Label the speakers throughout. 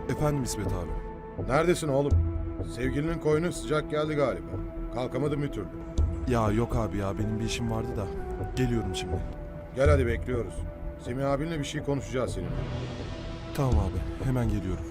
Speaker 1: Efendim İsmet abi.
Speaker 2: Neredesin oğlum? Sevgilinin koyunu sıcak geldi galiba. Kalkamadım bir türlü.
Speaker 1: Ya yok abi ya benim bir işim vardı da. Geliyorum şimdi.
Speaker 2: Gel hadi bekliyoruz. Semih abinle bir şey konuşacağız seninle.
Speaker 1: Tamam abi hemen geliyorum.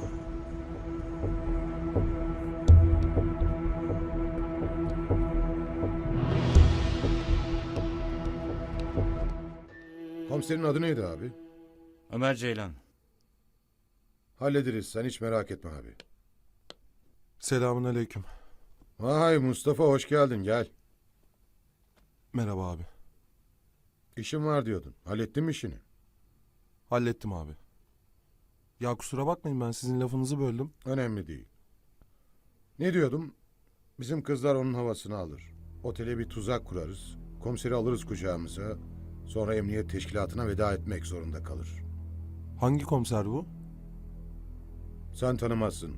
Speaker 2: Komiserin adı neydi abi?
Speaker 3: Ömer Ceylan.
Speaker 2: Hallederiz, sen hiç merak etme abi.
Speaker 1: Selamun aleyküm.
Speaker 2: Vay Mustafa, hoş geldin, gel.
Speaker 1: Merhaba abi.
Speaker 2: İşim var diyordun. Hallettin mi işini?
Speaker 1: Hallettim abi. Ya kusura bakmayın ben sizin lafınızı böldüm.
Speaker 2: Önemli değil. Ne diyordum? Bizim kızlar onun havasını alır. Otele bir tuzak kurarız. Komiseri alırız kucağımıza. Sonra emniyet teşkilatına veda etmek zorunda kalır.
Speaker 1: Hangi komiser bu?
Speaker 2: Sen tanımazsın.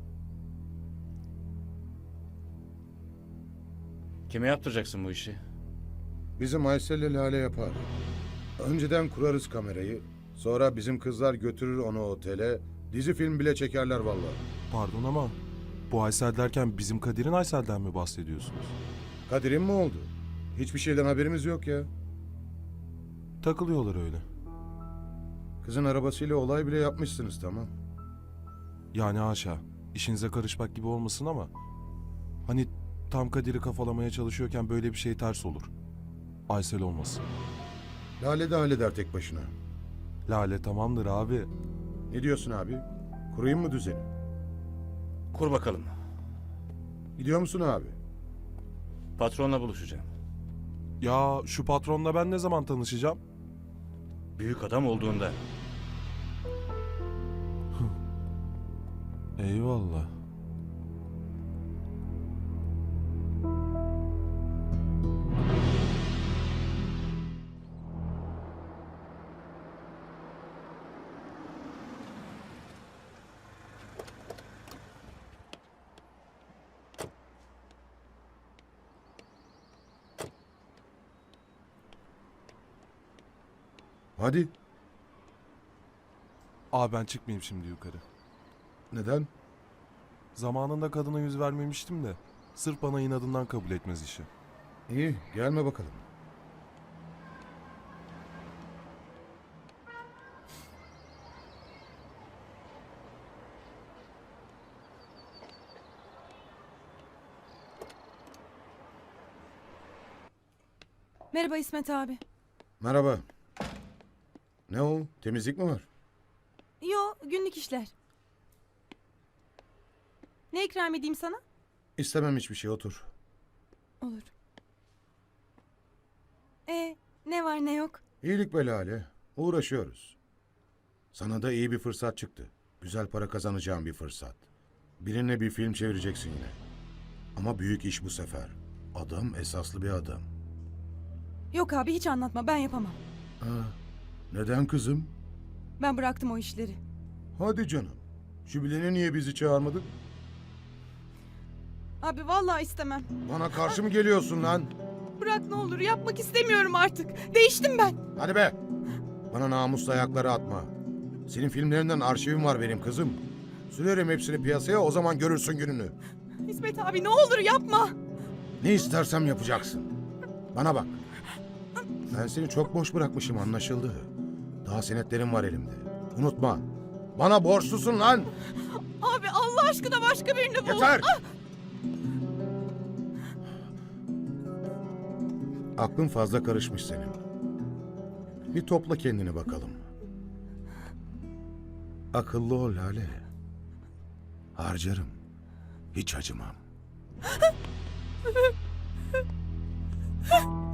Speaker 3: Kime yaptıracaksın bu işi?
Speaker 2: Bizim Aysel'le Lale yapar. Önceden kurarız kamerayı. Sonra bizim kızlar götürür onu otele. Dizi film bile çekerler vallahi.
Speaker 1: Pardon ama bu Aysel derken bizim Kadir'in Aysel'den mi bahsediyorsunuz?
Speaker 2: Kadir'in mi oldu? Hiçbir şeyden haberimiz yok ya.
Speaker 1: Takılıyorlar öyle.
Speaker 2: Kızın arabasıyla olay bile yapmışsınız, tamam.
Speaker 1: Yani haşa işinize karışmak gibi olmasın ama hani tam Kadir'i kafalamaya çalışıyorken böyle bir şey ters olur. Aysel olmasın.
Speaker 2: Lale de halleder tek başına.
Speaker 1: Lale tamamdır abi.
Speaker 2: Ne diyorsun abi? Kurayım mı düzeni?
Speaker 3: Kur bakalım.
Speaker 2: Gidiyor musun abi?
Speaker 3: Patronla buluşacağım.
Speaker 1: Ya şu patronla ben ne zaman tanışacağım?
Speaker 3: Büyük adam olduğunda.
Speaker 1: Eyvallah.
Speaker 2: Hadi.
Speaker 1: Abi ben çıkmayayım şimdi yukarı.
Speaker 2: Neden?
Speaker 1: Zamanında kadına yüz vermemiştim de sırf bana inadından kabul etmez işi.
Speaker 2: İyi, gelme bakalım.
Speaker 4: Merhaba İsmet abi.
Speaker 2: Merhaba. Ne o? Temizlik mi var?
Speaker 4: Yo, günlük işler. Ne ikram edeyim sana?
Speaker 2: İstemem hiçbir şey, otur.
Speaker 4: Olur. Ne var ne yok?
Speaker 2: İyilik be Lale. Uğraşıyoruz. Sana da iyi bir fırsat çıktı. Güzel para kazanacağın bir fırsat. Birine bir film çevireceksin yine. Ama büyük iş bu sefer. Adam esaslı bir adam.
Speaker 4: Yok abi hiç anlatma ben yapamam.
Speaker 2: Ha, neden kızım?
Speaker 4: Ben bıraktım o işleri.
Speaker 2: Hadi canım. Jübilene niye bizi çağırmadın?
Speaker 4: Abi vallahi istemem.
Speaker 2: Bana karşı mı geliyorsun lan?
Speaker 4: Bırak ne olur yapmak istemiyorum artık. Değiştim ben.
Speaker 2: Hadi be! Bana namusla ayakları atma. Senin filmlerinden arşivim var benim kızım. Sürerim hepsini piyasaya, o zaman görürsün gününü.
Speaker 4: İsmet abi ne olur yapma.
Speaker 2: Ne istersem yapacaksın. Bana bak. Ben seni çok boş bırakmışım, anlaşıldı. Daha senetlerim var elimde. Unutma. Bana borçlusun lan.
Speaker 4: Abi Allah aşkına başka birini bul.
Speaker 2: Yeter! Aklın fazla karışmış senin. Bir topla kendini bakalım. Akıllı ol Lale. Harcarım. Hiç acımam.